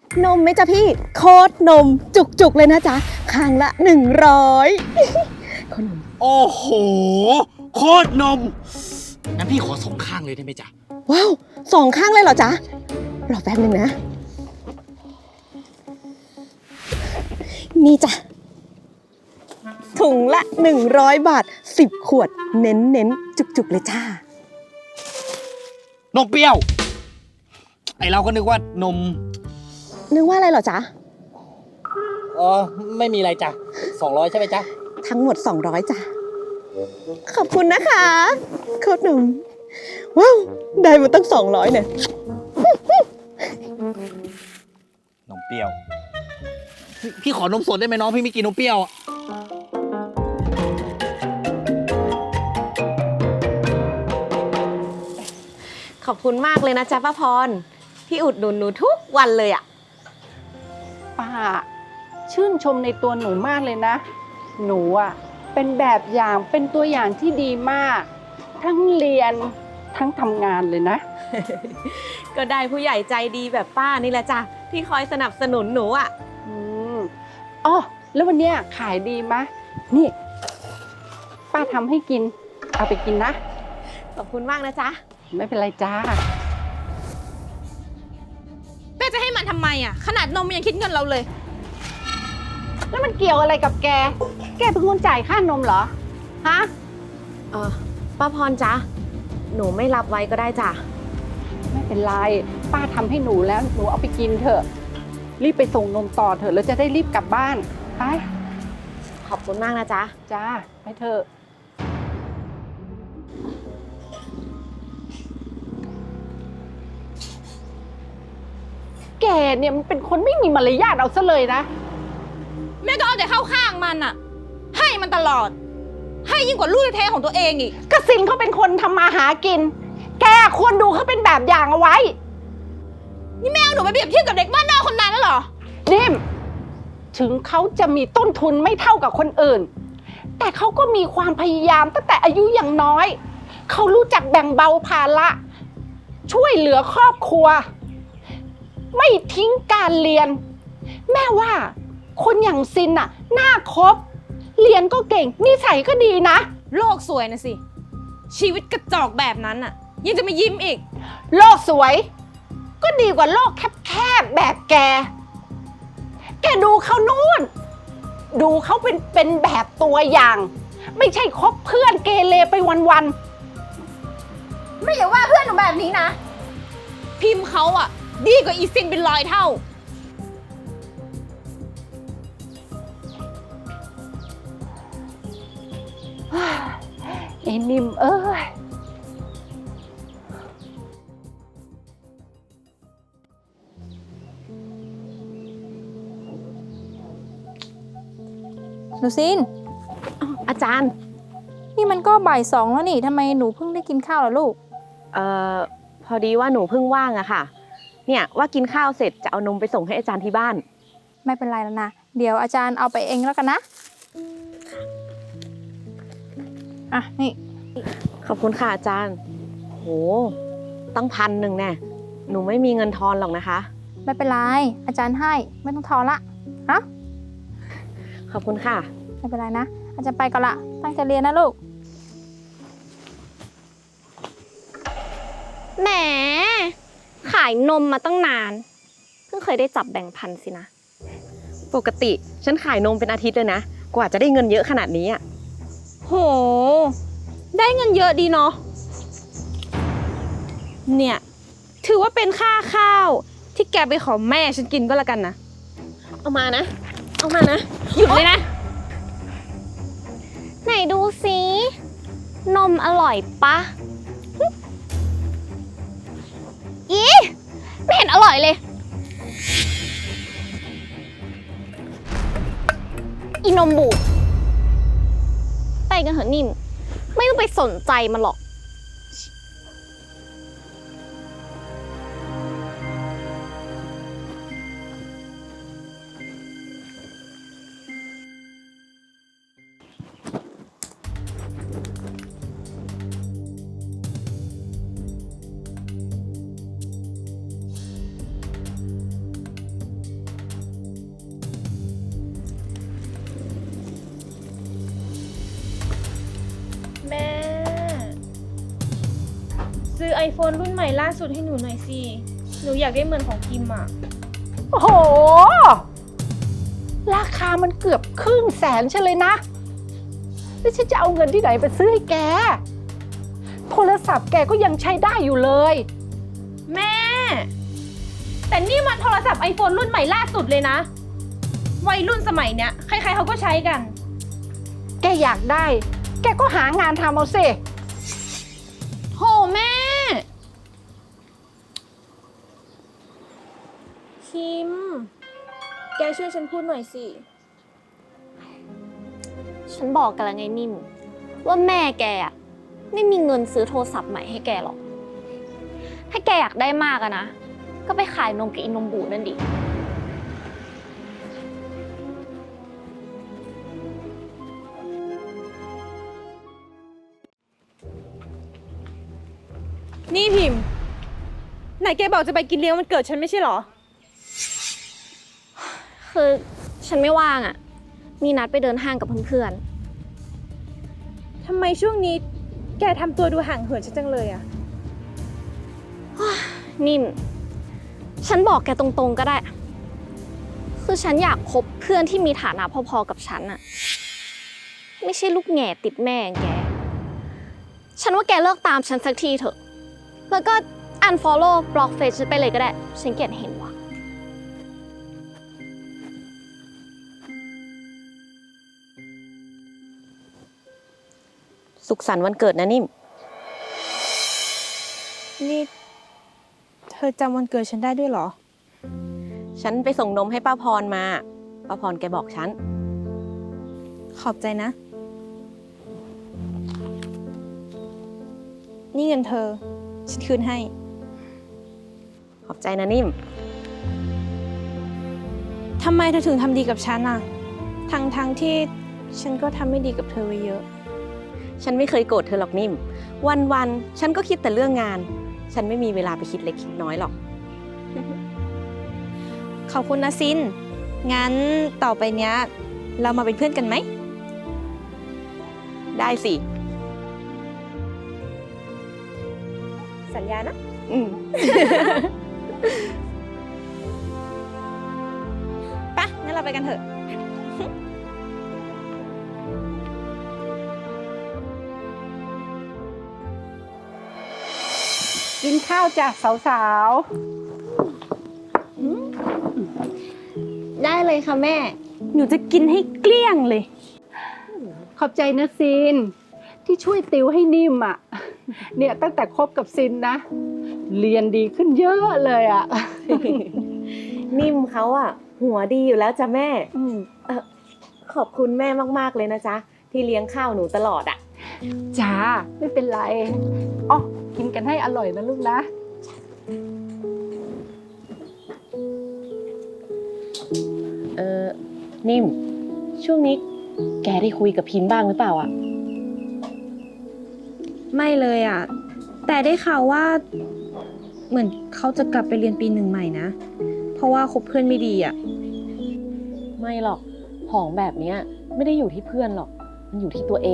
นมไหมจ๊ะพี่โคตรนมจุกๆเลยนะจ๊ะข้างละ100ขนมโอ้โหโคตรนมงั้นพี่ขอ2 ข้างเลยได้ไหมจ๊ะว้าว2 ข้างเลยเหรอจ๊ะรอแป๊บนึงนะนี่จ้ะถุงละ100 บาท10 ขวดเน้นจุกๆเลยจ้านมเปรี้ยวไอเราก็นึกว่านมนึกว่าอะไรเหรอจ๊ะไม่มีอะไรจ้ะ200ใช่ไหมจ๊ะทั้งหมด200จ้ะขอบคุณนะคะโคตรนมว้าวได้มาตั้ง200เนี่ยนมเปรี้ยวพี่ขอนมสดได้ไหมน้องพี่ไม่กินนมเปรี้ยวขอบคุณมากเลยนะจ๊ะป้าพรพี่อุดหนุนหนูทุกวันเลยอ่ะป้าชื่นชมในตัวหนูมากเลยนะหนูอ่ะเป็นแบบอย่างเป็นตัวอย่างที่ดีมากทั้งเรียนทั้งทำงานเลยนะก็ได้ผู้ใหญ่ใจดีแบบป้านี่แหละจ้ะที่คอยสนับสนุนหนูอ่ะอ๋อแล้ววันเนี้ยขายดีมะนี่ป้าทำให้กินเอาไปกินนะขอบคุณมากนะจ๊ะไม่เป็นไรจ้าแม่จะให้มันทำไมอ่ะขนาดนมยังคิดเงินเราเลยแล้วมันเกี่ยวอะไรกับแกเป็นคนจ่ายค่านมเหรอฮะป้าพรจ๊ะหนูไม่รับไว้ก็ได้จ้ะไม่เป็นไรป้าทำให้หนูแล้วหนูเอาไปกินเถอะรีบไปส่งนมต่อเถอะแล้วจะได้รีบกลับบ้านไปขอบคุณมากนะจ๊ะจ้าไปเถอะแกเนี่ยมันเป็นคนไม่มีมารยาทเอาซะเลยนะแม่ก็เอาแต่เข้าข้างมันอ่ะให้มันตลอดให้ยิ่งกว่าลูกแท้ๆของตัวเองอีกกสินเขาเป็นคนทำมาหากินแกควรดูเขาเป็นแบบอย่างเอาไว้นี่แม่เอาหนูไปเปรียบเทียบกับเด็กบ้านนอกคนนั้นแล้วเหรอนิ่มถึงเขาจะมีต้นทุนไม่เท่ากับคนอื่นแต่เขาก็มีความพยายามตั้งแต่อายุยังน้อยเขารู้จักแบ่งเบาภาระช่วยเหลือครอบครัวไม่ทิ้งการเรียนแม่ว่าคนอย่างซินน่ะน่าคบเรียนก็เก่งนิสัยก็ดีนะโลกสวยนะสิชีวิตกระจอกแบบนั้นน่ะยังจะมายิ้มอีกโลกสวยก็ดีกว่าโลกแคบๆแบบแกดูเขานู่นดูเขาเป็นแบบตัวอย่างไม่ใช่คบเพื่อนเกเรไปวันๆไม่อย่าว่าเพื่อนหนูแบบนี้นะพิมพ์เขาอ่ะดีกว่าอีซินเป็น100 เท่าไอ้นิ่มเอ้ยหนูซินอาจารย์นี่มันก็บ่าย2แล้วนี่ทำไมหนูเพิ่งได้กินข้าวล่ะลูกพอดีว่าหนูเพิ่งว่างอะค่ะเนี่ยว่ากินข้าวเสร็จจะเอานมไปส่งให้อาจารย์ที่บ้านไม่เป็นไรแล้วนะเดี๋ยวอาจารย์เอาไปเองแล้วกันนะอ่ะนี่ขอบคุณค่ะอาจารย์โหตั้ง1,100แน่หนูไม่มีเงินทอนหรอกนะคะไม่เป็นไรอาจารย์ให้ไม่ต้องทอนละฮะขอบคุณค่ะไม่เป็นไรนะอาจารย์ไปก่อนละตั้งใจเรียนนะลูกแหมขายนมมาตั้งนานเพิ่งเคยได้จับแบ่งพันสินะปกติฉันขายนมเป็นอาทิตย์เลยนะกว่าจะได้เงินเยอะขนาดนี้อ่ะโหได้เงินเยอะดีเนาะเนี่ยถือว่าเป็นค่าข้าวที่แกไปขอแม่ฉันกินก็แล้วกันนะเอามานะหยุดเลยนะไหนดูสินมอร่อยปะอีไม่เห็นอร่อยเลยอีนมบูดไปกันเถอะนิ่มไม่ต้องไปสนใจมันหรอก iPhone รุ่นใหม่ล่าสุดให้หนูหน่อยสิ หนูอยากได้เหมือนของพิมพ์อ่ะโอ้โห ราคามันเกือบ100,000ใช่เลยนะแล้วฉันจะเอาเงินที่ไหนไปซื้อให้แก โทรศัพท์แกก็ยังใช้ได้อยู่เลยแม่ แต่นี่มันโทรศัพท์ iPhone รุ่นใหม่ล่าสุดเลยนะ วัยรุ่นสมัยเนี้ยใครๆเขาก็ใช้กันแกอยากได้ แกก็หางานทำเอาสิโหแม่คิม แกช่วยฉันพูดหน่อยสิฉันบอกกันแล้วไงนิ่ม ว่าแม่แกอะไม่มีเงินซื้อโทรศัพท์ใหม่ให้แกหรอก ถ้าแกอยากได้มากอะนะ ก็ไปขายนมกับอินนมบูดนั่นดินี่พิมพ์ ไหนแกบอกจะไปกินเลี้ยงวันเกิดฉันไม่ใช่เหรอคือฉันไม่ว่างอะมีนัดไปเดินห้างกับเพื่อนทำไมช่วงนี้แกทำตัวดูห่างเหินฉันจังเลยอะๆนิ่ม ฉันบอกแกตรงๆก็ได้ คือฉันอยากคบเพื่อนที่มีฐานะพอๆกับฉันอะไม่ใช่ลูกแง่ติดแม่อย่างแก ฉันว่าแกเลิกตามฉันสักทีเถอะ แล้วก็ unfollow บล็อกเฟซฉันไปเลยก็ได้ ฉันเกลียดเห็นว่ะสุขสันต์วันเกิดนะนิ่มนี่เธอจำวันเกิดฉันได้ด้วยเหรอฉันไปส่งนมให้ป้าพรมา ป้าพรแกบอกฉันขอบใจนะ นี่เงินเธอ ฉันคืนให้ขอบใจนะนิ่มทำไมเธอถึงทำดีกับฉันอะทั้งที่ฉันก็ทำไม่ดีกับเธอไว้เยอะฉันไม่เคยโกรธเธอหรอกนิ่ม วันๆ ฉันก็คิดแต่เรื่องงาน ฉันไม่มีเวลาไปคิดเล็กคิดน้อยหรอกขอบคุณนะซิน งั้นต่อไปเนี้ย เรามาเป็นเพื่อนกันไหมได้สิสัญญานะอืมปะงั้นเราไปกันเถอะกินข้าวจ้ะสาวได้เลยค่ะแม่หนูจะกินให้เกลี้ยงเลยๆ ขอบใจนะซิน ที่ช่วยติวให้นิ่มอ่ะ เนี่ยตั้งแต่คบกับซินนะ เรียนดีขึ้นเยอะเลยอ่ะนิ่มเขาอะหัวดีอยู่แล้วจ้ะแม่อืมขอบคุณแม่มากๆเลยนะจ๊ะ ที่เลี้ยงข้าวหนูตลอดอะจ้า ไม่เป็นไรอ๋อกินกันให้อร่อยนะลูกนะนิ่ม ช่วงนี้แกได้คุยกับพิมพ์บ้างหรือเปล่าอะไม่เลยอ่ะ แต่ได้ข่าวว่า เหมือนเขาจะกลับไปเรียนปี1ใหม่นะ เพราะว่าคบเพื่อนไม่ดีอ่ะไม่หรอก ของแบบเนี้ยไม่ได้อยู่ที่เพื่อนหรอก มันอยู่ที่ตัวเอง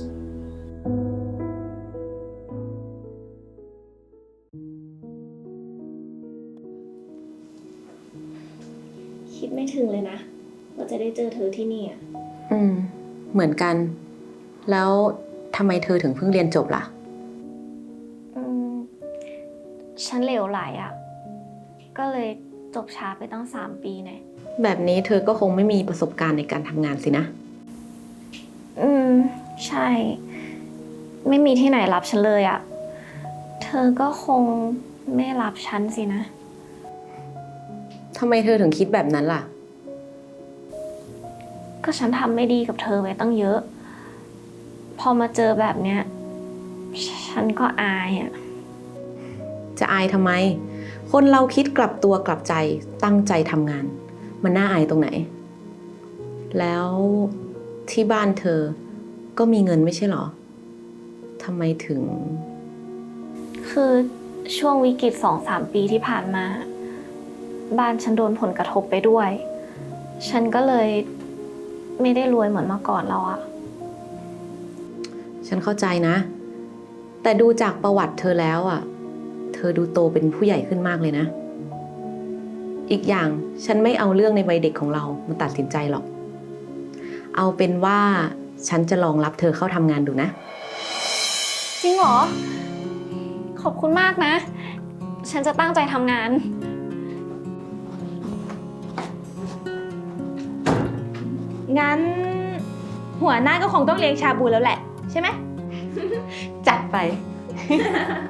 คิดไม่ถึงเลยนะ ว่าจะได้เจอเธอที่นี่อะเหมือนกัน แล้วทำไมเธอถึงเพิ่งเรียนจบล่ะฉันเหลวไหลอะก็เลยจบช้าไปตั้ง3 ปีเนี่ยแบบนี้เธอก็คงไม่มีประสบการณ์ในการทำงานสินะใช่ ไม่มีที่ไหนรับฉันเลยอะเธอก็คงไม่รับฉันสินะทำไมเธอถึงคิดแบบนั้นล่ะก็ฉันทำไม่ดีกับเธอไว้ตั้งเยอะ พอมาเจอแบบเนี้ย ฉันก็อายอะจะอายทำไม คนเราคิดกลับตัวกลับใจตั้งใจทำงาน มันน่าอายตรงไหน แล้วที่บ้านเธอก็มีเงินไม่ใช่หรอทำไมถึงคือช่วงวิกฤต2-3 ปีที่ผ่านมา บ้านฉันโดนผลกระทบไปด้วย ฉันก็เลยไม่ได้รวยเหมือนเมื่อก่อนแล้วอะฉันเข้าใจนะ แต่ดูจากประวัติเธอแล้วอ่ะอดูโตเป็นผู้ใหญ่ขึ้นมากเลยนะ อีกอย่างฉันไม่เอาเรื่องในวัยเด็กของเรามาตัดสินใจหรอก เอาเป็นว่าฉันจะลองรับเธอเข้าทำงานดูนะจริงเหรอ ขอบคุณมากนะ ฉันจะตั้งใจทำงานงั้น หัวหน้าก็คงต้องเลี้ยงชาบูแล้วแหละ ใช่ไหมจัดไป